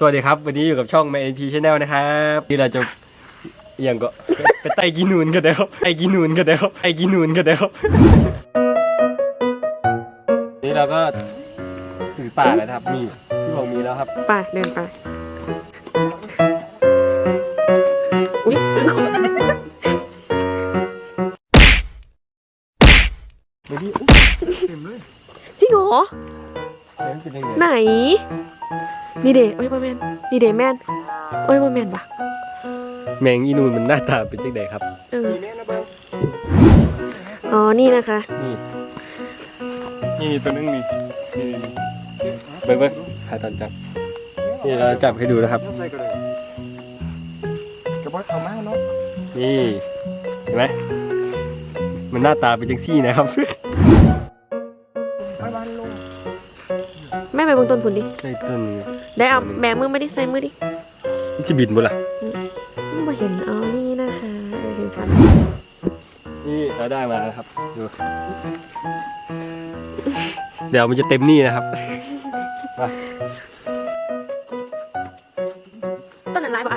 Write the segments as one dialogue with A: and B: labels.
A: วัสดีครับวันนี้อยู่กับช่อง MyNP Channel นะครับที่เราจะอย่างก็ไปไต่กินนูนกันแล้วไต่กินนูนกันแล้วไต่กินนูนกันแล้วนี่เราก็ถึงป่าแล้วครับนี่ที่ผมมีแล้วครับ
B: ไปเดินไปอุ๊ย
A: ดูดิเต็มเลย
B: จริงเหรอไหน
A: น
B: นี่เด๋โอ้ยบอแมนนี่เด๋แมนโอ้ยบอแมนปะ
A: แมงอีนูนมันหน้าตาเป็นจังไดครับ
B: อ๋อนี่นะคะ
A: นี่ตัวนึงนี่เบิ้งหาตอนจับนี่เราจับให้ดูนะครับนี่เห็นไหมมันหน้าตาเป็นจังซี่นะครับ
B: แม่ไปบนต้นผุนดิ
A: ใช่ต้น
B: ได้เอาแบมือไม่ได้ใส่มือดิ
A: มันจะบินบ่ล่ะ
B: ไม่เห็นอ๋อนี่นะคะเห็นชัด
A: นี่เราได้มาแล้วครับดูเดี๋ยวมันจะเต็มนี่นะครับ
B: ต้นนั้นร้ายบ่ไอ้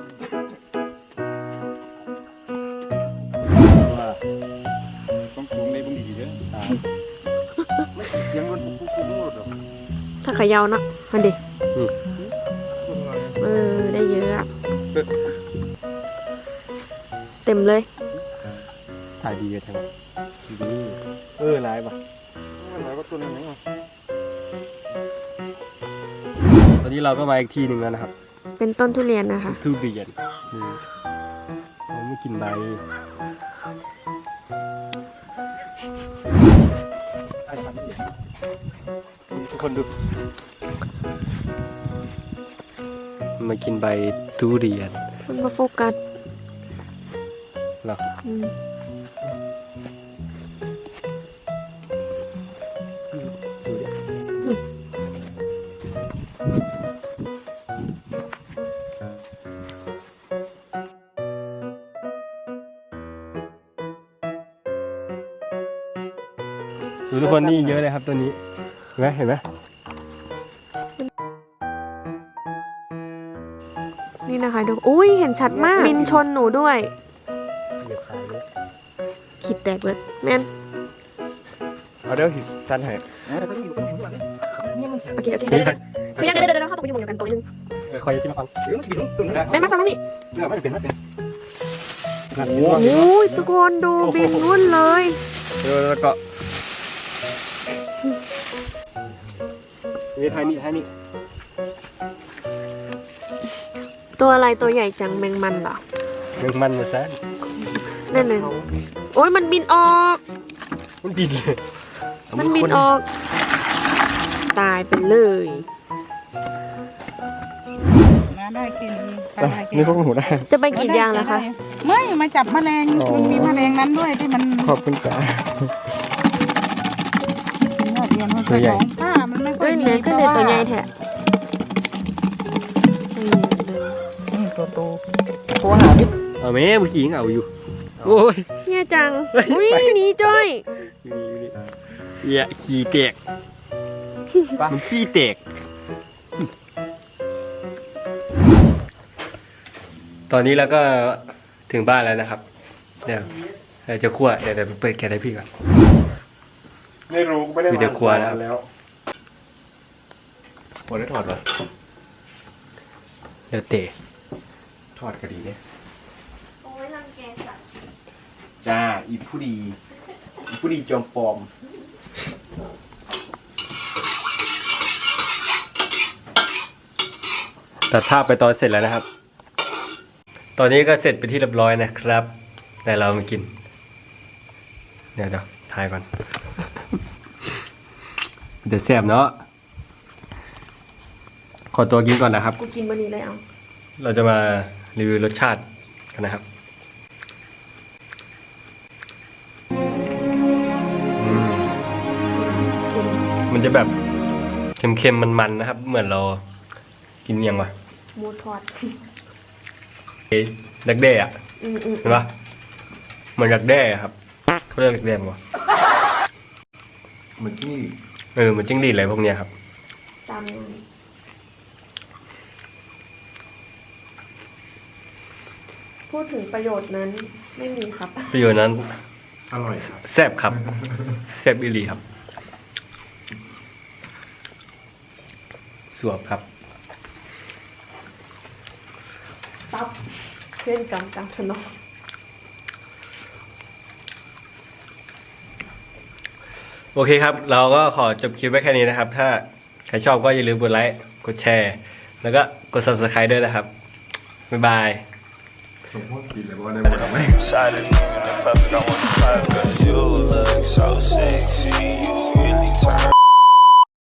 A: ต้องปรุงในบุ้งดีเด้อยังมันปรุงหมดหรอ
B: ถ้าขยาวนะมันดิได้เยอะเต็มเลย
A: ถ่ายดีกันทั้งนี่ร้ายป่ะร้ายก็ตัวนึงไงตอนนี้เราก็มาอีกทีหนึ่งแล้วนะครับ
B: เป็นต้นทุเรียนนะคะ
A: ทุเรียนเราไม่กินใบทุกคนดูมากินใบทุเรียน
B: มันมาโฟกัส
A: หรอดูทุกคนนี่เยอะเลยครับตัวนี้เห็นไหม
B: นี่นะคะดูอุ้ยเห็นชัดมากบินชนหนูด้วยขีดแตกเลยแม่น
A: เอาเดี๋ยวหิสั้นให้
B: โอเคเดี๋ยวเข้าตรงไปอยู่หมู่เดียวกันตัวนึง
A: คอยที่มาฟัง
B: ได้มาฟังนี่โอ้ยทุกคนดูบินวุ่นเลย
A: แล้วก็นี่ท้ายนี่
B: ตัวอะไรตัวใหญ่จังแมงมันเหรอ
A: แมงมันมาซะ
B: นั่นเลยโอ้ยมันบินออก
A: มันบินเลย
B: มันบินออกตายไปเลย
C: ได้กิน
A: นี่พวกหนูได้
B: จะไปกรีดยางเหรอคะ
C: ไม่มาจับแมลงมันมีแมลงนั้นด้วยที่มัน
A: ขอบคุณจ้า
C: ตัวใหญ่ผ้ามันไม่ค่อย
B: ดีก็เลยตัวใหญ่แท้
C: ตัวโต
A: โทรหาพี่เอาแม่เมื่อกี้ยังเอาอยู่โอ้ย
B: เนี่ยจังอุ้ยหนีจ้อย
A: ขี้แตกมันขี้แตกตอนนี้เราก็ถึงบ้านแล้วนะครับเดี๋ยวจะคั่วเดี๋ยวไปเปิดแก๊สให้พี่ก่อน
D: ไม่รู้ไม่ได้
A: มาเดี๋ยวคั่วแล้ว
D: หมดได้ถอดเหรอ
A: เดี๋ยวเตะ
D: ถอดก็ดีเนี่ย
B: โอ้ยรังแกสัตว์
D: จ้าอีผู้ดีจอมปลอม
A: ตัดภาพไปตอนเสร็จแล้วนะครับตอนนี้ก็เสร็จไปที่เรียบร้อยนะครับแต่เรามากินเดี๋ยวถ่ายก่อนเดี๋ยวแซ่บเนาะขอตัวกินก่อนนะครับ
B: กูกินวันนี้เลยเอา
A: เราจะมารีวิวรสชาติกันนะครับมันจะแบบเค็มๆมันๆนะครับเหมือนเรากินยังวะ
B: หมูทอด
A: ดักแด้อะเห็นปะเหมือนดักแด้ครับเขาเรียกดักแด้มั้ง
D: เหมือนจิ้งหรีด
A: เหมือนจิ้งหรีดอะไรพวกเนี้ยครับ
B: ตามพูดถึงประโยชน์นั้นไม่มีครับ
A: ประโยชน์นั้น
D: อร่อยครับ
A: แซ่บครับแซ่บอีหลีครับสวบครับ
B: ตับเช่นกันตามสนอง
A: โอเคครับ เราก็ขอจบคลิปไว้แค่นี้นะครับ ถ้าใครชอบก็อย่าลืมกดไลค์กดแชร์ แล้วก็กด subscribe ด้วยนะครับบ๊ายบาย
D: สมมติกินเลยว่าได้หมดไหม
E: Excited, nigga, the puppet, I want to clap, cause you look so sexy, you really turn